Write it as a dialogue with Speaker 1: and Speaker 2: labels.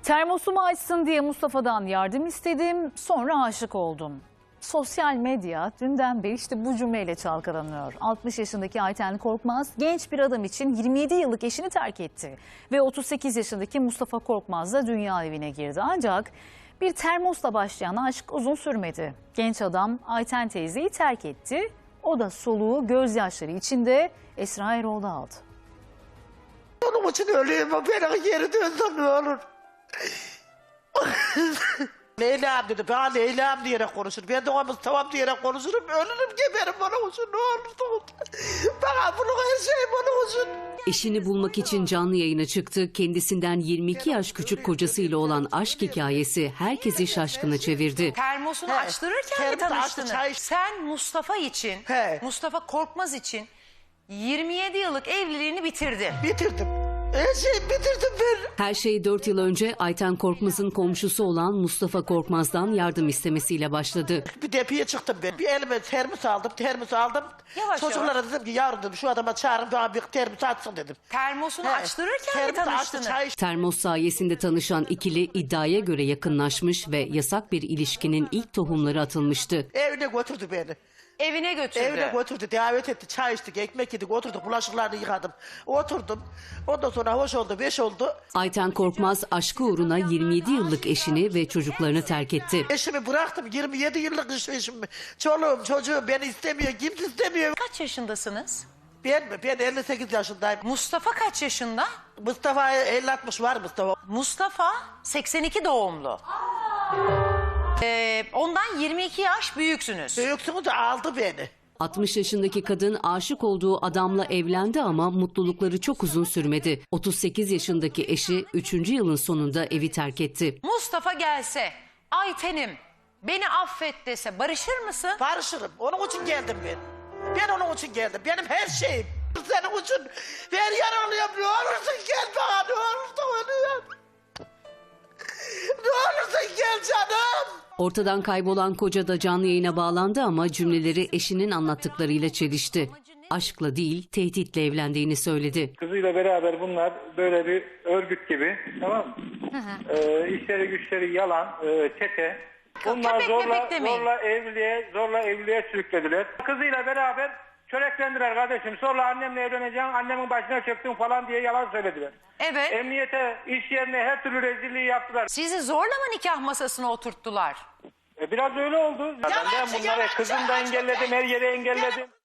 Speaker 1: Termosumu açsın diye Mustafa'dan yardım istedim, sonra aşık oldum. Sosyal medya dünden beri işte bu cümleyle çalkalanıyor. 60 yaşındaki Ayten Korkmaz genç bir adam için 27 yıllık eşini terk etti. Ve 38 yaşındaki Mustafa Korkmaz da dünya evine girdi. Ancak bir termosla başlayan aşk uzun sürmedi. Genç adam Ayten teyzeyi terk etti. O da soluğu gözyaşları içinde Esra Erol'da aldı.
Speaker 2: Onun için öleyim, beni geri dönsem ne olur. Leyla'm dedi, bana Leyla'm diyerek konuşur. Ben de ona Mustafa'm diyerek konuşurum. Ölürüm, geberim onun için, ne olursa. Bana bunun her şeyim onun için.
Speaker 3: Eşini bulmak için canlı yayına çıktı. Kendisinden 22 yaş küçük kocasıyla olan aşk hikayesi herkesi şaşkına çevirdi.
Speaker 4: Termosunu açtırırken mi tanıştınız?
Speaker 2: çay.
Speaker 4: Sen Mustafa için, Mustafa Korkmaz için 27 yıllık evliliğini bitirdin.
Speaker 2: Bitirdim. Her şeyi bitirdim ben.
Speaker 3: Her şey 4 yıl önce Ayten Korkmaz'ın komşusu olan Mustafa Korkmaz'dan yardım istemesiyle başladı.
Speaker 2: Bir depiye çıktım ben. Bir elime termos aldım.
Speaker 4: Yavaş
Speaker 2: Çocuklara
Speaker 4: yavaş.
Speaker 2: dedim ki yavrum dedim, şu adama çağırın bana bir termos açsın dedim.
Speaker 4: Termosunu açtırırken mi
Speaker 2: Termos açtı,
Speaker 4: tanıştınız?
Speaker 2: çay içti.
Speaker 3: Termos sayesinde tanışan ikili iddiaya göre yakınlaşmış ve yasak bir ilişkinin ilk tohumları atılmıştı.
Speaker 2: Evine götürdü beni.
Speaker 4: Evine götürdü.
Speaker 2: Evine götürdü, davet etti, çay içtik, ekmek yedik, oturduk, bulaşıklarını yıkadım. Oturdum. Ondan sonra hoş oldu, beş oldu.
Speaker 3: Ayten Korkmaz aşkı uğruna 27 yıllık eşini ve çocuklarını terk etti.
Speaker 2: Eşimi bıraktım, 27 yıllık eşimi. Çoluğum, çocuğum beni istemiyor, kimse istemiyor.
Speaker 4: Kaç yaşındasınız?
Speaker 2: Ben mi? Ben 58 yaşındayım.
Speaker 4: Mustafa kaç yaşında?
Speaker 2: Mustafa 50-60 var Mustafa.
Speaker 4: Mustafa 82 doğumlu. Ondan 22 yaş büyüksünüz.
Speaker 2: Büyüksünüz de aldı beni.
Speaker 3: 60 yaşındaki kadın aşık olduğu adamla evlendi ama mutlulukları çok uzun sürmedi. 38 yaşındaki eşi 3. yılın sonunda evi terk etti.
Speaker 4: Mustafa gelse, Ayten'im beni affet dese barışır mısın?
Speaker 2: Barışırım. Onun için geldim ben. Ben onun için geldim. Benim her şeyim. Senin için ver yaralıyorum. Ne olursun gel bana. Ne olursun ölüyorum. Ne olursun gel canım.
Speaker 3: Ortadan kaybolan koca da canlı yayına bağlandı ama cümleleri eşinin anlattıklarıyla çelişti. Aşkla değil, tehditle evlendiğini söyledi.
Speaker 5: Kızıyla beraber bunlar böyle bir örgüt gibi, tamam mı? İşleri güçleri yalan, çete. Bunlar
Speaker 4: Köpek mepek demeyin.
Speaker 5: zorla evliliğe sürüklediler. Kızıyla beraber çöreklendiler kardeşim. Sonra annemle evleneceğim, annemin başına çöktüm falan diye yalan söylediler.
Speaker 4: Evet.
Speaker 5: Emniyete, iş yerine her türlü rezilliği yaptılar.
Speaker 4: Sizi zorla mı nikah masasına oturttular?
Speaker 5: Biraz öyle oldu. Ben bunları kızım da engelledim, her yere engelledim.